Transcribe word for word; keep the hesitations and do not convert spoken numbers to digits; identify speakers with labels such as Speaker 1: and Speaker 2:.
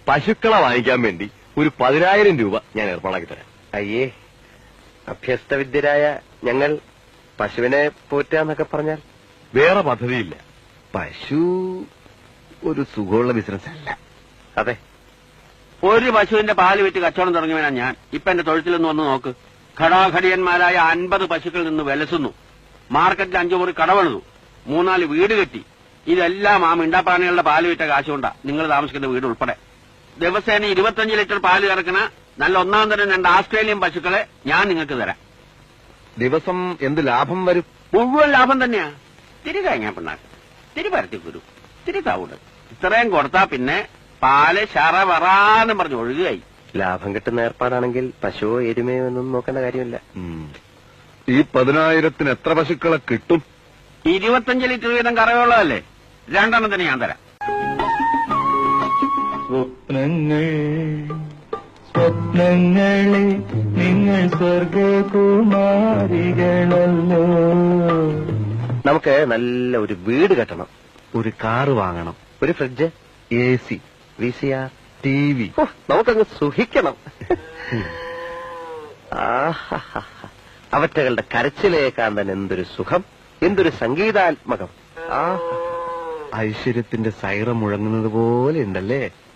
Speaker 1: പശുക്കളെ വാങ്ങിക്കാൻ വേണ്ടി ഒരു പതിനായിരം രൂപ ഞാൻ ഏർപ്പാടാക്കി തരാം.
Speaker 2: അയ്യേ, അഭ്യസ്തവിദ്യരായ ഞങ്ങൾ പശുവിനെ പോറ്റാന്നൊക്കെ പറഞ്ഞാൽ?
Speaker 1: വേറെ പദ്ധതിയില്ല. പശു ഒരു സുഖമുള്ള ബിസിനസ് അല്ല.
Speaker 2: അതെ,
Speaker 3: ഒരു പശുവിന്റെ പാല് വിറ്റ് കച്ചവടം തുടങ്ങിയവനാ ഞാൻ. ഇപ്പൊ എന്റെ തൊഴുത്തിലൊന്ന് വന്ന് നോക്ക്. ഘടാഘടിയന്മാരായ അൻപത് പശുക്കളിൽ നിന്ന് വിലസുന്നു. മാർക്കറ്റിൽ അഞ്ചു മുറി കടവെളുതു, മൂന്നാല് വീട് കെട്ടി. ഇതെല്ലാം ആ മിണ്ടാപ്രാണികളുടെ പാല് വിറ്റ കാശുകൊണ്ടാ നിങ്ങൾ താമസിക്കുന്ന വീട് ഉൾപ്പെടെ. ദിവസേന ഇരുപത്തഞ്ച് ലിറ്റർ പാല് കറക്കണ നല്ല ഒന്നാം തരം രണ്ട് ആസ്ട്രേലിയൻ പശുക്കളെ ഞാൻ നിങ്ങൾക്ക് തരാം.
Speaker 1: ദിവസം എന്ത് ലാഭം വരും?
Speaker 3: മുഴുവൻ ലാഭം തന്നെയാ. തിരി കഴിഞ്ഞാ പിണ്ണാക്ക്, തിരി പരത്തിക്കുരു, തിരി തവിട്, ഇത്രയും കൊടുത്താ പിന്നെ പാല് ശറ വറാന്നും പറഞ്ഞ് ഒഴുകുകയായി.
Speaker 2: ലാഭം കിട്ടുന്ന ഏർപ്പാടാണെങ്കിൽ പശുവോ എരുമയോ എന്നൊന്നും നോക്കേണ്ട കാര്യമില്ല.
Speaker 1: ഈ പതിനായിരത്തിന് എത്ര പശുക്കളെ കിട്ടും?
Speaker 3: ഇരുപത്തഞ്ച് ലിറ്റർ വീതം കറവുള്ളതല്ലേ, രണ്ടെണ്ണത്തിന് ഞാൻ തരാം.
Speaker 4: സ്വപ്നങ്ങൾ സ്വപ്നങ്ങളെ നിങ്ങൾ സ്വർഗകുമാരികളല്ലോ.
Speaker 2: നമുക്ക് നല്ല ഒരു വീട് കെട്ടണം,
Speaker 1: ഒരു കാറ് വാങ്ങണം,
Speaker 2: ഒരു fridge,
Speaker 1: A C,
Speaker 2: V C R,
Speaker 1: T V.
Speaker 2: നമുക്കങ്ങ് സുഖിക്കണം. അവറ്റകളുടെ കരച്ചിലേക്കാൻ തന്നെ എന്തൊരു സുഖം, എന്തൊരു സംഗീതാത്മകം. ആ
Speaker 1: ഐശ്വര്യത്തിന്റെ സൈറ മുഴങ്ങുന്നത് പോലെ ഉണ്ടല്ലേ?